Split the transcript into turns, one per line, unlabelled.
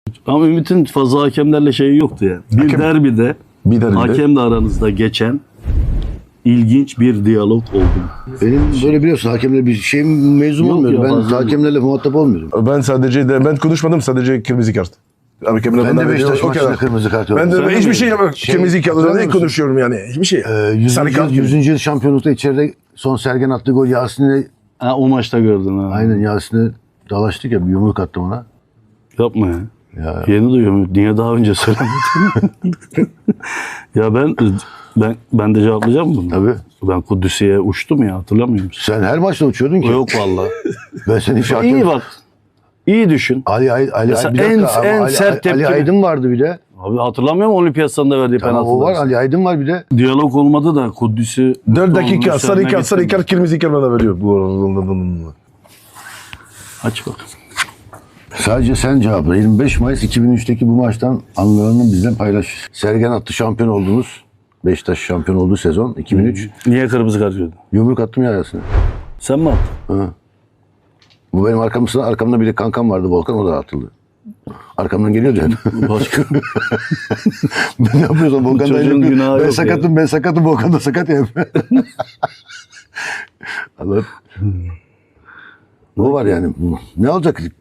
Ama Ümit'in fazla hakemlerle şeyi yoktu yani. Bir derbide hakemle aranızda geçen ilginç bir diyalog oldu.
Benim böyle biliyorsun hakemle bir şeyim mezun
Yok
olmuyordu.
ya,
Ben
fazla
hakemlerle muhatap olmuyordum.
Ben konuşmadım, sadece kırmızı kart.
Ben de Beşiktaş maçında kırmızı kart gördüm.
Ben de hiçbir şey yapmam. Kırmızı kartla ne
musun?
konuşuyorum yani? Hiçbir şey.
100. yıl şampiyonlukta içeride son Sergen attığı gol Yasin'e
Ha, o maçta gördün ha.
aynen Yasin'e dalaştık ya bir yumruk attım ona.
Yapma ya.
Ya.
Yeni duyuyorum. Niye daha önce söylemedin? Ya ben de cevaplayacağım bunu.
Tabii.
Ben Kudüs'e uçtum ya, hatırlamıyor musun?
Sen her maçta uçuyordun ki.
Yok vallahi.
Ben seni hiç
İyi bak. İyi düşün.
Ali
Mesela
bir dakika, ama
en sert
Ali
tepki-
Aydın vardı bir de.
Abi hatırlamıyor musun Olimpiyat stadında verdiği
Tamam,
penaltıları?
o var Ali Aydın var bir de.
Diyalog olmadı da Kudüs'ü...
4 dakika sarı kart, sarı
getirdi.
kart, kırmızı kart bana veriyor. Bu
Aç bak.
Sadece sen cevapla. 25 Mayıs 2003'teki bu maçtan anılarını bizden paylaş. Sergen attı şampiyon oldunuz. Beşiktaş şampiyon olduğu sezon 2003.
Niye kırmızı kart gördün?
Yumruk attım ya arasına.
Sen mi attın?
Bu benim arkamda bir de kankam vardı Volkan, o da atıldı. Arkamdan geliyordu yani.
Başka.
Ne yapıyorsun Volkan da
çocuğun günahı
ben
yok
sakatım Volkan da sakat ya. Allah. Bu var yani. Ne olacak?